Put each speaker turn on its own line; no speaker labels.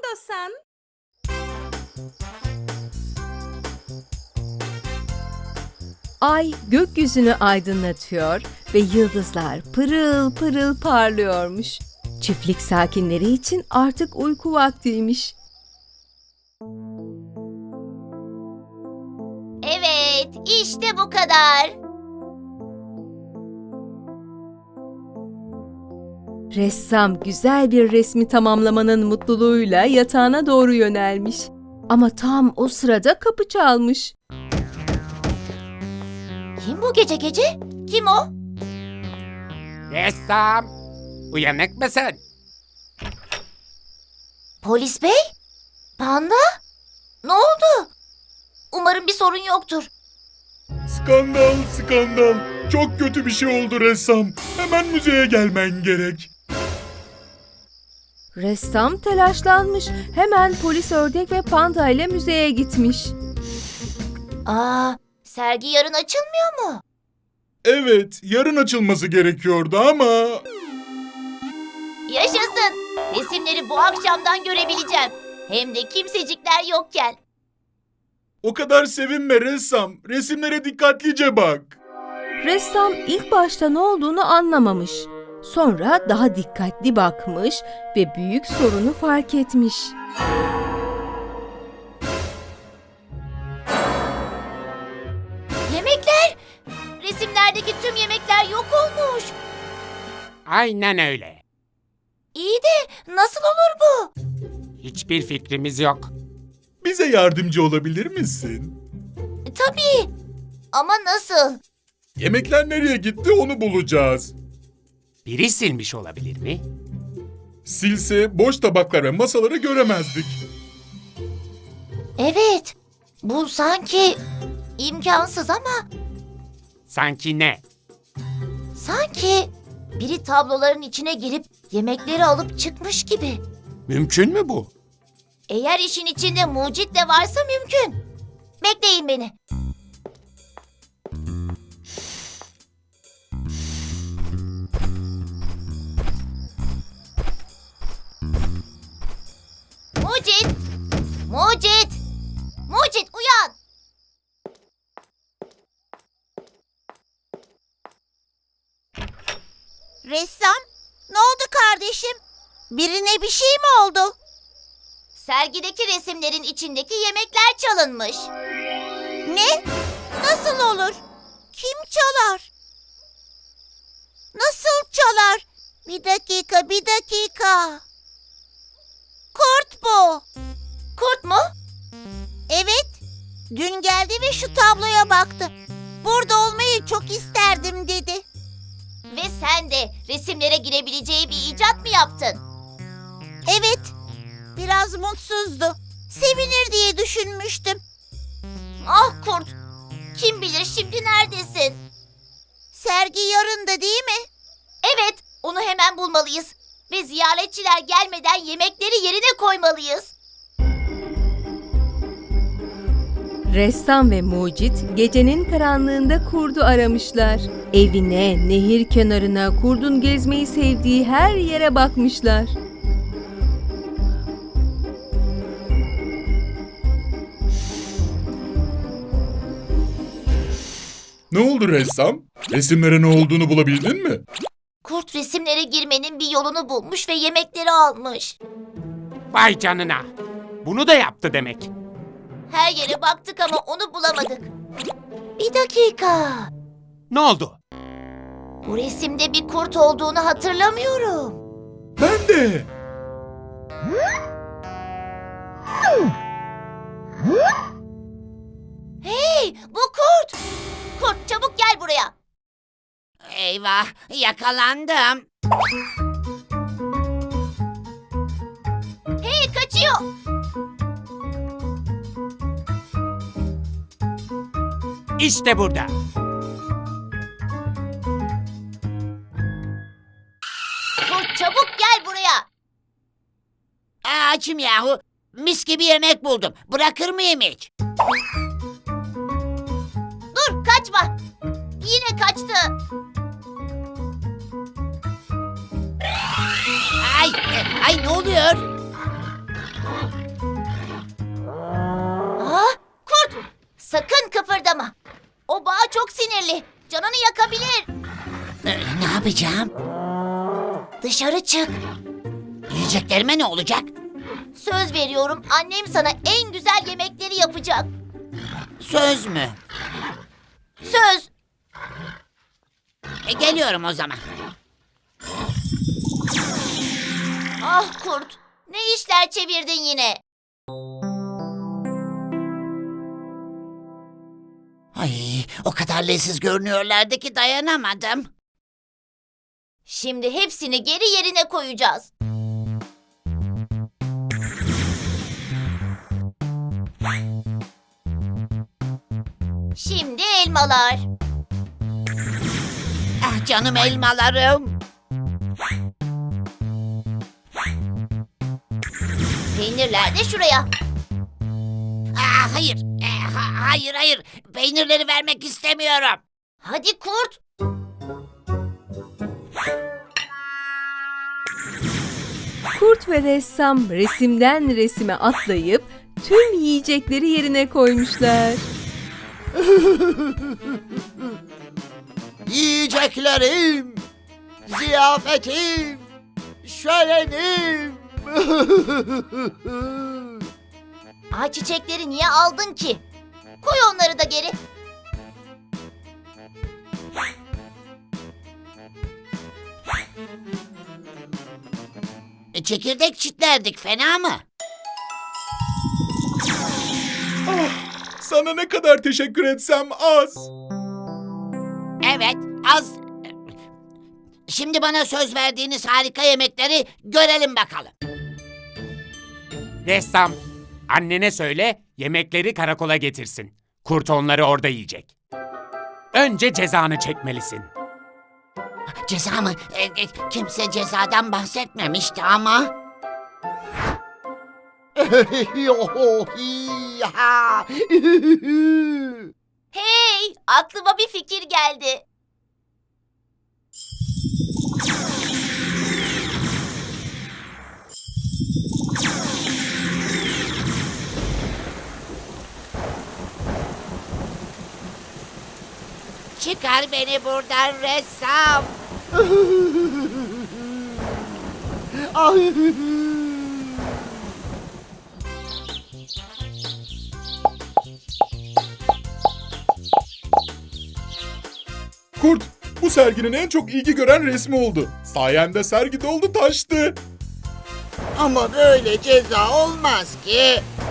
istiyorsan.
Ay gökyüzünü aydınlatıyor ve yıldızlar pırıl pırıl parlıyormuş. Çiftlik sakinleri için artık uyku vaktiymiş.
Evet, işte bu kadar.
Ressam güzel bir resmi tamamlamanın mutluluğuyla yatağına doğru yönelmiş. Ama tam o sırada kapı çalmış.
Kim bu gece gece? Kim o?
Ressam, uyanık mısın?
Polis bey? Panda? Ne oldu? Umarım bir sorun yoktur.
Skandal, skandal. Çok kötü bir şey oldu ressam. Hemen müzeye gelmen gerek.
Ressam telaşlanmış. Hemen polis ördek ve panda ile müzeye gitmiş.
Sergi yarın açılmıyor mu?
Evet, yarın açılması gerekiyordu ama...
Yaşasın! Resimleri bu akşamdan görebileceğim. Hem de kimsecikler yokken.
O kadar sevinme ressam. Resimlere dikkatlice bak.
Ressam ilk başta ne olduğunu anlamamış. Sonra daha dikkatli bakmış ve büyük sorunu fark etmiş.
Yemekler! Resimlerdeki tüm yemekler yok olmuş.
Aynen öyle.
İyi de nasıl olur bu?
Hiçbir fikrimiz yok.
Bize yardımcı olabilir misin?
Tabii. Ama nasıl?
Yemekler nereye gitti onu bulacağız.
Biri silmiş olabilir mi?
Silse boş tabaklar ve masaları göremezdik.
Evet. Bu sanki imkansız ama
Sanki ne?
sanki biri tabloların içine girip yemekleri alıp çıkmış gibi.
Mümkün mü bu?
Eğer işin içinde mucit de varsa mümkün. Bekleyin beni. Mucit! Mucit! Mucit uyan!
Ressam, ne oldu kardeşim? Birine bir şey mi oldu?
Sergideki resimlerin içindeki yemekler çalınmış.
Ne? Nasıl olur? Kim çalar? Nasıl çalar? Bir dakika, bir dakika. Kurt bu.
Kurt mu?
Evet, dün geldi ve şu tabloya baktı. Burada olmayı çok isterdim dedi.
Ve sen de resimlere girebileceği bir icat mı yaptın?
Evet, biraz mutsuzdu. Sevinir diye düşünmüştüm.
Ah kurt! Kim bilir şimdi neredesin?
Sergi yarın da değil mi?
Evet, onu hemen bulmalıyız. Ve ziyaretçiler gelmeden yemekleri yerine koymalıyız.
Ressam ve mucit gecenin karanlığında kurdu aramışlar. Evine, nehir kenarına, kurdun gezmeyi sevdiği her yere bakmışlar.
Ne oldu ressam? Resimlere ne olduğunu bulabildin mi?
Kurt resimlere girmenin bir yolunu bulmuş ve yemekleri almış.
Vay canına. Bunu da yaptı demek.
Her yere baktık ama onu bulamadık. Bir dakika.
Ne oldu?
Bu resimde bir kurt olduğunu hatırlamıyorum.
Ben de.
Hey, bu kurt! Kurt çabuk gel buraya.
Eyvah, yakalandım.
Hey, kaçıyor.
İşte burada.
Kurt çabuk gel buraya.
Açım yahu. Mis gibi yemek buldum. Bırakır mıyım hiç?
Dur, kaçma. Yine kaçtı.
Ay ne oluyor?
Ah, kurt! Sakın kıpırdama. O bağ çok sinirli. Canını yakabilir.
Ne yapacağım?
Dışarı çık.
Yiyeceklerime ne olacak?
Söz veriyorum, annem sana en güzel yemekleri yapacak.
Söz mü?
Söz.
Geliyorum o zaman.
Ah kurt, ne işler çevirdin yine?
Ay, o kadar leziz görünüyorlardı ki dayanamadım.
Şimdi hepsini geri yerine koyacağız. Şimdi elmalar.
Ah canım elmalarım.
Peynirler de şuraya.
Ah hayır. Hayır. Peynirleri vermek istemiyorum.
Hadi kurt.
Kurt ve ressam resimden resime atlayıp tüm yiyecekleri yerine koymuşlar.
Yiyeceklerim, ziyafetim, şölenim.
Ay çiçekleri niye aldın ki? Koy onları da geri.
Çekirdek çitlerdik, fena mı?
Sana ne kadar teşekkür etsem az.
Evet, az. Şimdi bana söz verdiğiniz harika yemekleri görelim bakalım.
Ressam, annene söyle yemekleri karakola getirsin. Kurt onları orada yiyecek. Önce cezanı çekmelisin.
Ceza mı? Kimse cezadan bahsetmemişti ama.
Hey, aklıma bir fikir geldi.
Çıkar beni buradan ressam.
Kurt, bu serginin en çok ilgi gören resmi oldu. Sayende sergi doldu taştı.
Ama böyle ceza olmaz ki.